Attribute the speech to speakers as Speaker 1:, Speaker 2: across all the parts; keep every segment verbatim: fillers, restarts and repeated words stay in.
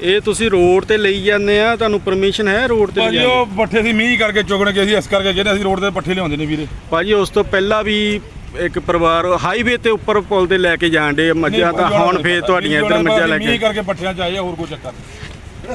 Speaker 1: ਇਹ ਤੁਸੀਂ ਰੋਡ ਤੇ ਲਈ ਜਾਂਦੇ ਆ, ਤੁਹਾਨੂੰ ਪਰਮਿਸ਼ਨ ਹੈ ਰੋਡ ਤੇ
Speaker 2: ਭਾਜੀ? ਉਹ ਪੱਠੇ ਸੀ ਮੀਂਹ ਕਰਕੇ ਚੁਗਣ ਕੇ ਅਸੀਂ ਇਸ ਕਰਕੇ ਜਿਹੜੇ ਅਸੀਂ ਰੋਡ ਤੇ ਪੱਠੇ ਲਿਆਉਂਦੇ ਨੇ ਵੀਰੇ।
Speaker 1: ਭਾਜੀ ਉਸ ਤੋਂ ਪਹਿਲਾਂ ਵੀ ਇੱਕ ਪਰਿਵਾਰ ਹਾਈਵੇ ਤੇ ਉੱਪਰ ਪੁਲ ਤੇ ਲੈ ਕੇ ਜਾਣ ਡੇ ਮੱਝਾਂ, ਤਾਂ ਹੁਣ ਫੇਰ ਤੁਹਾਡੀਆਂ ਇੱਧਰ ਮੱਝਾਂ ਲੈ ਕੇ
Speaker 2: ਮੀਂਹ ਕਰਕੇ ਪੱਠਿਆਂ ਚ ਆਏ ਆ, ਹੋਰ ਕੋਈ ਚੱਕਰ ਨਹੀਂ।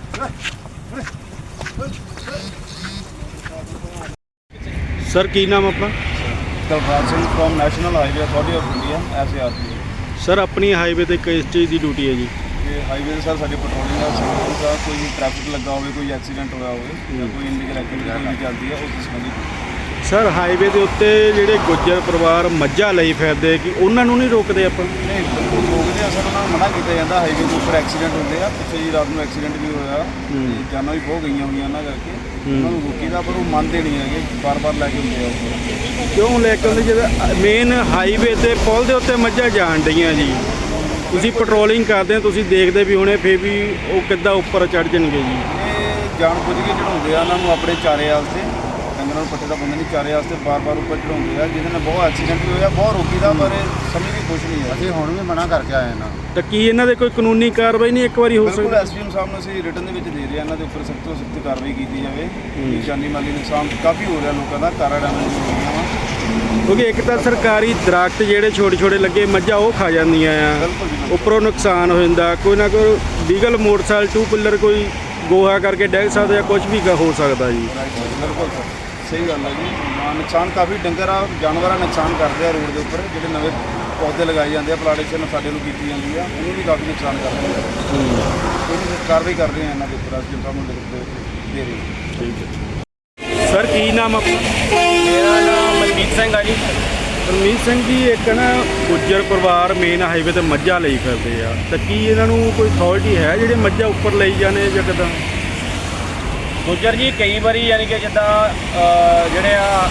Speaker 1: ਸਰ ਕੀ ਨਾਮ ਆਪਣਾ?
Speaker 3: Dalraj Singh from National Highway Authority of India S A R P.
Speaker 1: Sir ਆਪਣੀ ਹਾਈਵੇ ਤੇ ਕਿਸ ਚੀਜ਼ ਦੀ ਡਿਊਟੀ ਹੈ ਜੀ?
Speaker 3: ਤੇ ਹਾਈਵੇ ਤੇ ਸਰ ਸਾਡੀ ਪੈਟਰੋਲਿੰਗ ਦਾ ਸਿਗਨਲ ਦਾ ਕੋਈ ਵੀ ਟ੍ਰੈਫਿਕ ਲੱਗਾ ਹੋਵੇ, ਕੋਈ ਐਕਸੀਡੈਂਟ ਹੋਇਆ ਹੋਵੇ ਜਾਂ ਕੋਈ ਇਨਲੀਗਲ ਐਕਟੀਵਿਟੀ ਕੋਈ ਵੀ ਚੱਲਦੀ ਹੈ ਉਸ ਸੰਬੰਧੀ।
Speaker 1: ਸਰ ਹਾਈਵੇ ਦੇ ਉੱਤੇ ਜਿਹੜੇ ਗੁੱਜਰ ਪਰਿਵਾਰ ਮੱਝਾਂ ਲਈ ਫਿਰਦੇ ਕਿ ਉਹਨਾਂ ਨੂੰ ਨਹੀਂ ਰੋਕਦੇ ਆਪਾਂ?
Speaker 3: ਨਹੀਂ ਬਿਲਕੁਲ ਰੋਕਦੇ ਆ ਸਰ, ਉਹਨਾਂ ਨੂੰ ਮਨਾ ਕੀਤਾ ਜਾਂਦਾ। ਹਾਈਵੇ ਦੇ ਉੱਪਰ ਐਕਸੀਡੈਂਟ ਹੁੰਦੇ ਆ, ਪਿੱਛੇ ਜੀ ਰਾਤ ਨੂੰ ਐਕਸੀਡੈਂਟ ਵੀ ਹੋਇਆ ਤੇ ਜਾਨਾਂ ਵੀ ਬਹੁਤ ਗਈਆਂ ਹੋਈਆਂ ਉਹਨਾਂ ਕਰਕੇ। ਉਹਨਾਂ ਨੂੰ ਰੋਕੀਦਾ ਪਰ ਉਹ ਮੰਨਦੇ ਨਹੀਂ ਹੈਗੇ, ਬਾਰ-ਬਾਰ ਲੈ ਕੇ ਹੁੰਦੇ ਆ ਉੱਪਰ।
Speaker 1: ਕਿਉਂ ਲੈ ਕੇ ਆਉਂਦੇ? ਜਦੋਂ ਮੇਨ ਹਾਈਵੇ ਤੇ ਪੁਲ ਦੇ ਉੱਤੇ ਮੱਝਾਂ ਜਾਣ ਡਈਆਂ ਜੀ, ਤੁਸੀਂ ਪੈਟਰੋਲਿੰਗ ਕਰਦੇ ਹੋ, ਤੁਸੀਂ ਦੇਖਦੇ ਵੀ ਹੋਣੇ, ਫੇਰ ਵੀ ਉਹ ਕਿੱਦਾਂ ਉੱਪਰ ਚੜ ਜਾਣਗੇ ਜੀ?
Speaker 3: ਇਹ ਜਾਣ ਬੁੱਝ ਕੇ ਚੜਾਉਂਦੇ ਆ ਉਹਨਾਂ ਨੂੰ ਆਪਣੇ ਚਾਰੇ ਵਾਸਤੇ, ਡੰਗਰਾਂ ਨੂੰ ਪੱਠੇ ਦਾ ਬੰਦੇ ਨਹੀਂ ਚਾਰੇ ਵਾਸਤੇ ਬਾਰ-ਬਾਰ ਉੱਪਰ ਚੜਾਉਂਦੇ ਆ, ਜਿਹਦੇ ਨਾਲ ਬਹੁਤ ਐਕਸੀਡੈਂਟ ਵੀ ਹੋਇਆ, ਬਹੁਤ ਰੋਕੀਦਾ ਪਰ ਸਮਝ ਵੀ ਕੁਛ ਨਹੀਂ ਹੈ।
Speaker 4: ਅਸੀਂ ਹੁਣ ਵੀ ਮਨਾ ਕਰਕੇ ਆਏ ਨਾ।
Speaker 1: ਤਾਂ ਕੀ ਇਹਨਾਂ ਦੇ ਕੋਈ ਕਾਨੂੰਨੀ ਕਾਰਵਾਈ ਨਹੀਂ ਇੱਕ ਵਾਰੀ ਹੋ
Speaker 3: ਬਿਲਕੁਲ
Speaker 1: ਸਕਦੀ?
Speaker 3: ਐਸ ਡੀ ਐਮ ਸਾਹਿਬ ਨੂੰ ਅਸੀਂ ਰਿਟਨ ਦੇ ਵਿੱਚ ਦੇ ਰਹੇ ਹਾਂ, ਇਹਨਾਂ ਦੇ ਉੱਪਰ ਸਖਤ ਤੋਂ ਸਖਤ ਕਾਰਵਾਈ ਕੀਤੀ ਜਾਵੇ। ਜਾਨੀ ਮਾਲੀ ਨੁਕਸਾਨ ਕਾਫੀ ਹੋ ਰਿਹਾ ਲੋਕਾਂ ਦਾ, ਕਾਰਾਂ ਡੈਮੇਜ ਹੋ ਰਹੀਆਂ ਵਾ।
Speaker 1: ਕਿਉਂਕਿ ਇੱਕ ਤਾਂ ਸਰਕਾਰੀ ਦਰਖਤ ਜਿਹੜੇ ਛੋਟੇ ਛੋਟੇ ਲੱਗੇ ਮੱਝਾਂ ਉਹ ਖਾ ਜਾਂਦੀਆਂ ਆ,
Speaker 3: ਬਿਲਕੁਲ ਜੀ,
Speaker 1: ਉੱਪਰੋਂ ਨੁਕਸਾਨ ਹੋ ਜਾਂਦਾ। ਕੋਈ ਨਾ ਕੋਈ ਲੀਗਲ ਮੋਟਰਸਾਈਕਲ ਟੂ ਪਿੱਲਰ ਕੋਈ ਗੋਹਾ ਕਰਕੇ ਡਿੱਗ ਸਕਦਾ ਜਾਂ ਕੁਝ ਵੀ ਹੋ ਸਕਦਾ ਜੀ।
Speaker 3: ਬਿਲਕੁਲ ਸਰ, ਸਹੀ ਗੱਲ ਹੈ ਜੀ। ਹਾਂ, ਨੁਕਸਾਨ ਕਾਫੀ ਡੰਗਰ ਆ ਜਾਨਵਰਾਂ ਨੁਕਸਾਨ ਕਰਦੇ ਆ ਰੋਡ ਦੇ ਉੱਪਰ। ਜਿਹੜੇ ਨਵੇਂ ਪੌਦੇ ਲਗਾਏ ਜਾਂਦੇ ਆ, ਪਲਾਂਟੇਸ਼ਨ ਸਾਡੇ ਨੂੰ ਕੀਤੀ ਜਾਂਦੀ ਆ, ਉਹਨੂੰ ਵੀ ਕਾਫੀ ਨੁਕਸਾਨ ਕਰਦੇ ਆ। ਉਹਨੂੰ ਕਾਰਵਾਈ ਕਰ ਰਹੇ ਆ ਇਹਨਾਂ ਦੇ ਉੱਪਰ, ਅਸੀਂ ਸਾਨੂੰ ਲਿਖ ਦੇ ਰਹੇ ਹਾਂ।
Speaker 1: ਠੀਕ ਹੈ ਸਰ, ਕੀ ਨਾਮ ਆਪਣਾ?
Speaker 5: ਮੇਰਾ ਨਾਮ ਮਨਜੀਤ ਸਿੰਘ ਆ ਜੀ।
Speaker 1: ਰਣਜੀਤ ਸਿੰਘ ਜੀ, ਇੱਕ ਨਾ ਗੁੱਜਰ ਪਰਿਵਾਰ ਮੇਨ ਹਾਈਵੇ ਤੇ ਮੱਝਾਂ ਲਈ ਫਿਰਦੇ ਆ, ਤਾਂ ਕੀ ਇਹਨਾਂ ਨੂੰ ਕੋਈ ਅਥਾਰਟੀ ਹੈ ਜਿਹੜੇ ਮੱਝਾਂ ਉੱਪਰ ਲਈ ਜਾਣੇ ਜਾਂ ਕਿੱਦਾਂ?
Speaker 5: ਗੁੱਜਰ ਜੀ ਕਈ ਵਾਰੀ ਯਾਨੀ ਕਿ ਜਿੱਦਾਂ ਜਿਹੜੇ ਆ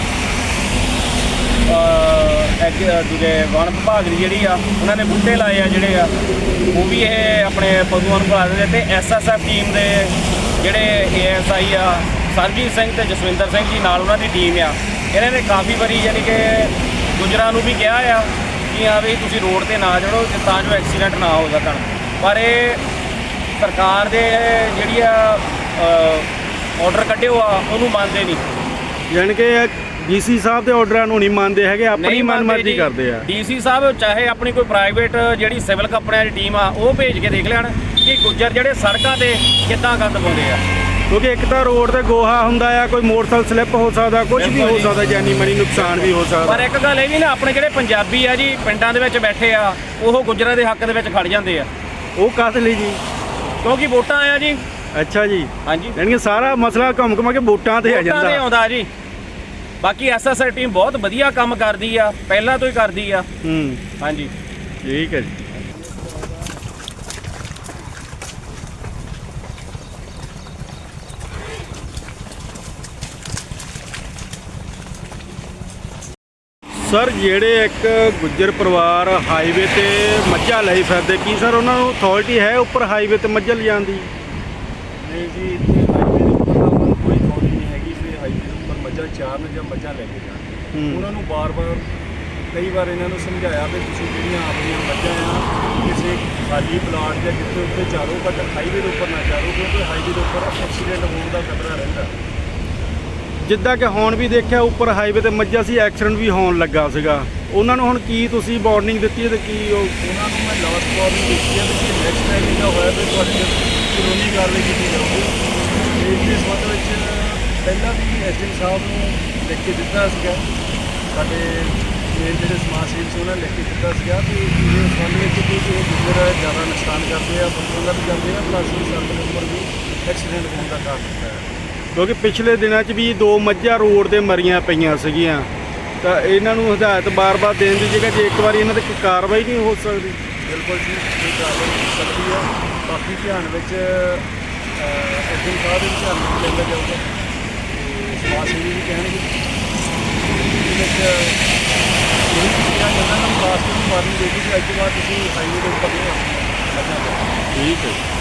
Speaker 5: ਦੂਜੇ ਵਣ ਵਿਭਾਗ ਦੀ ਜਿਹੜੀ ਆ ਉਹਨਾਂ ਨੇ ਬੂਟੇ ਲਾਏ ਆ ਜਿਹੜੇ ਆ, ਉਹ ਵੀ ਇਹ ਆਪਣੇ ਪਸ਼ੂਆਂ ਨੂੰ ਖਵਾ ਦਿੰਦੇ। ਅਤੇ ਐਸ ਐਸ ਐਫ ਟੀਮ ਦੇ ਜਿਹੜੇ ਏ ਐਸ ਆਈ ਆ ਸਰਜੀਤ ਸਿੰਘ ਅਤੇ ਜਸਵਿੰਦਰ ਸਿੰਘ ਜੀ ਨਾਲ ਉਹਨਾਂ ਦੀ ਟੀਮ ਆ, ਇਹਨਾਂ ਨੇ ਕਾਫੀ ਵਾਰੀ ਯਾਨੀ ਕਿ ਗੁੱਜਰਾਂ ਨੂੰ ਵੀ ਕਿਹਾ ਆ ਕਿ ਹਾਂ ਵੀ ਤੁਸੀਂ ਰੋਡ 'ਤੇ ਨਾ ਚੜੋ ਤਾਂ ਜੋ ਐਕਸੀਡੈਂਟ ਨਾ ਹੋ ਸਕਣ। ਪਰ ਇਹ ਸਰਕਾਰ ਦੇ ਜਿਹੜੀ ਆ ਆਰਡਰ ਕੱਢਿਓ ਆ ਉਹਨੂੰ ਮੰਨਦੇ ਨਹੀਂ।
Speaker 1: ਯਾਨੀ ਕਿ ਡੀ ਸੀ ਸਾਹਿਬ ਦੇ ਆਰਡਰਾਂ ਨੂੰ ਨਹੀਂ ਮੰਨਦੇ ਹੈਗੇ, ਆਪਣੀ ਮਨਮਰਜ਼ੀ ਕਰਦੇ ਆ।
Speaker 5: ਡੀ ਸੀ ਸਾਹਿਬ ਚਾਹੇ ਆਪਣੀ ਕੋਈ ਪ੍ਰਾਈਵੇਟ ਜਿਹੜੀ ਸਿਵਲ ਕੰਪਨੀਆਂ ਦੀ ਟੀਮ ਆ ਉਹ ਭੇਜ ਕੇ ਦੇਖ ਲੈਣ ਕਿ ਗੁੱਜਰ ਜਿਹੜੇ ਸੜਕਾਂ ਤੇ ਕਿੱਦਾਂ ਗੰਦ ਪਾਉਂਦੇ ਆ।
Speaker 1: ਕਿਉਂਕਿ ਇੱਕ ਤਾਂ ਰੋਡ ਤੇ ਗੋਹਾ ਹੁੰਦਾ ਆ, ਕੋਈ ਮੋਟਰਸਾਈਕਲ ਸਲਿੱਪ ਹੋ ਸਕਦਾ, ਕੁਝ ਵੀ ਹੋ ਸਕਦਾ, ਜਾਨੀ ਮਾਨੀ ਨੁਕਸਾਨ ਵੀ ਹੋ ਸਕਦਾ।
Speaker 5: ਪਰ ਇੱਕ ਗੱਲ ਇਹ ਵੀ ਨਾ, ਆਪਣੇ ਜਿਹੜੇ ਪੰਜਾਬੀ ਆ ਜੀ ਪਿੰਡਾਂ ਦੇ ਵਿੱਚ ਬੈਠੇ ਆ, ਉਹ ਗੁੱਜਰਾਂ ਦੇ ਹੱਕ ਦੇ ਵਿੱਚ ਖੜ ਜਾਂਦੇ ਆ।
Speaker 1: ਉਹ ਕਾਹਦੇ ਲਈ ਜੀ?
Speaker 5: ਕਿਉਂਕਿ ਵੋਟਾਂ ਆ ਜੀ।
Speaker 1: ਅੱਛਾ ਜੀ,
Speaker 5: ਹਾਂਜੀ,
Speaker 1: ਯਾਨੀ ਕਿ ਸਾਰਾ ਮਸਲਾ ਘੁੰਮ ਘੁਮਾ ਕੇ ਵੋਟਾਂ ਤੇ ਆ
Speaker 5: ਵੋਟਾਂ ਤੇ
Speaker 1: ਜਾਂਦਾ।
Speaker 5: ਆਉਂਦਾ ਜੀ। ਬਾਕੀ ਐਸ ਐਸ ਆਈ ਟੀਮ ਬਹੁਤ ਵਧੀਆ ਕੰਮ ਕਰਦੀ ਆ, ਪਹਿਲਾਂ ਤੋਂ ਹੀ ਕਰਦੀ ਆ।
Speaker 1: ਹੂੰ,
Speaker 5: ਹਾਂਜੀ,
Speaker 1: ਠੀਕ ਹੈ ਜੀ। ਸਰ, ਜਿਹੜੇ ਇੱਕ ਗੁੱਜਰ ਪਰਿਵਾਰ ਹਾਈਵੇ ਤੇ ਮੱਝਾਂ ਲਈ ਫਿਰਦੇ, ਕੀ ਸਰ ਉਹਨਾਂ ਨੂੰ ਅਥਾਰਟੀ ਹੈ ਉੱਪਰ ਹਾਈਵੇ ਤੇ ਮੱਝਾਂ ਲਿਜਾਣ ਦੀ?
Speaker 6: ਨਹੀਂ ਜੀ, ਇੱਥੇ ਹਾਈਵੇ ਦੇ ਉੱਪਰ ਤਾਂ ਉਹਨਾਂ ਨੂੰ ਕੋਈ ਅਥਾਰਟੀ ਨਹੀਂ ਹੈਗੀ ਵੀ ਹਾਈਵੇ ਦੇ ਉੱਪਰ ਮੱਝਾਂ ਚਾਰਨ ਜਾਂ ਮੱਝਾਂ ਲੈ ਕੇ ਜਾਣ। ਉਹਨਾਂ ਨੂੰ ਬਾਰ-ਬਾਰ ਕਈ ਵਾਰ ਇਹਨਾਂ ਨੂੰ ਸਮਝਾਇਆ ਵੀ ਤੁਸੀਂ ਜਿਹੜੀਆਂ ਆਪਣੀਆਂ ਮੱਝਾਂ ਆ ਕਿਸੇ ਖਾਲੀ ਪਲਾਟ ਜਾਂ ਜਿੱਥੇ ਉੱਥੇ ਚਾਰੋ, ਬਟ ਹਾਈਵੇ ਦੇ ਉੱਪਰ ਨਾ ਚਾਰੋ, ਕਿਉਂਕਿ ਹਾਈਵੇ ਦੇ ਉੱਪਰ ਐਕਸੀਡੈਂਟ ਹੋਣ ਦਾ ਖਤਰਾ ਰਹਿੰਦਾ।
Speaker 1: ਜਿੱਦਾਂ ਕਿ ਹੁਣ ਵੀ ਦੇਖਿਆ ਉੱਪਰ ਹਾਈਵੇ ਤੇ ਮੱਝਾਂ ਸੀ, ਐਕਸੀਡੈਂਟ ਵੀ ਹੋਣ ਲੱਗਾ ਸੀਗਾ। ਉਹਨਾਂ ਨੂੰ ਹੁਣ ਕੀ ਤੁਸੀਂ ਵਾਰਨਿੰਗ ਦਿੱਤੀ ਹੈ ਤੇ ਕੀ ਉਹ?
Speaker 6: ਉਹਨਾਂ ਨੂੰ ਮੈਂ ਲਾਸਟ ਵਾਰਨਿੰਗ ਦਿੱਤੀ ਹੈ ਕਿ ਨੈਕਸਟ ਟਾਈਮ ਇਹਦਾ ਹੋਇਆ ਤਾਂ ਤੁਹਾਡੇ ਕਾਨੂੰਨੀ ਕਾਰਵਾਈ ਕੀਤੀ ਜਾਊਗੀ। ਤੇ ਇਸ ਸੰਬੰਧ ਵਿੱਚ ਪਹਿਲਾਂ ਵੀ ਐਸ ਡੀ ਐਮ ਸਾਹਿਬ ਨੂੰ ਲਿਖ ਕੇ ਦਿੱਤਾ ਸੀਗਾ, ਸਾਡੇ ਮੇਨ ਜਿਹੜੇ ਸਮਾਜ ਸੇਵੀ ਸੀ ਉਹਨਾਂ ਨੇ ਲਿਖ ਕੇ ਦਿੱਤਾ ਸੀਗਾ ਕਿ ਇਹ ਸੰਬੰਧ ਵਿੱਚ ਕਿ ਇਹ ਗੁੱਜਰ ਜ਼ਿਆਦਾ ਨੁਕਸਾਨ ਕਰਦੇ ਆ, ਪਸ਼ੂਆਂ ਦਾ ਵੀ ਕਰਦੇ ਆ, ਪਲੱਸ ਸੜਕ ਦੇ ਉੱਪਰ ਵੀ ਐਕਸੀਡੈਂਟ ਹੋਣ ਦਾ ਕਾਰਨ ਹੁੰਦਾ ਹੈ।
Speaker 1: ਕਿਉਂਕਿ ਪਿਛਲੇ ਦਿਨਾਂ 'ਚ ਵੀ ਦੋ ਮੱਝਾਂ ਰੋਡ ਤੇ ਮਰੀਆਂ ਪਈਆਂ ਸੀਗੀਆਂ, ਤਾਂ ਇਹਨਾਂ ਨੂੰ ਹਦਾਇਤ ਬਾਰ-ਬਾਰ ਦੇਣ ਦੀ ਜਗ੍ਹਾ ਜੇ ਇੱਕ ਵਾਰੀ ਇਹਨਾਂ 'ਤੇ ਕੋਈ ਕਾਰਵਾਈ ਨਹੀਂ ਹੋ ਸਕਦੀ?
Speaker 6: ਬਿਲਕੁਲ ਜੀ, ਇਹ ਕਾਰਵਾਈ ਹੋ ਸਕਦੀ ਹੈ। ਬਾਕੀ ਧਿਆਨ ਵਿੱਚ ਐਸ ਡੀ ਐਮ ਸਾਹਿਬ ਦੇ ਧਿਆਨ ਵਿੱਚ ਲਿਆਂਦਾ ਜਾਊਗਾ, ਸਮਾਜ ਸੇਵੀ ਵੀ ਕਹਿਣਗੇ ਇਹਦੇ ਵਿੱਚ ਇਹ ਚੀਜ਼ਾਂ ਇਹਨਾਂ ਨੂੰ ਖਾਸ ਕਰਕੇ ਵਾਰਨਿੰਗ ਦੇ ਦਿੱਤੀ ਕਿ ਅੱਜ ਤੋਂ ਬਾਅਦ ਤੁਸੀਂ ਹਾਈਵੇ ਦੇ ਉੱਪਰ ਨਹੀਂ ਆਉਣਾ।
Speaker 1: ਠੀਕ ਹੈ।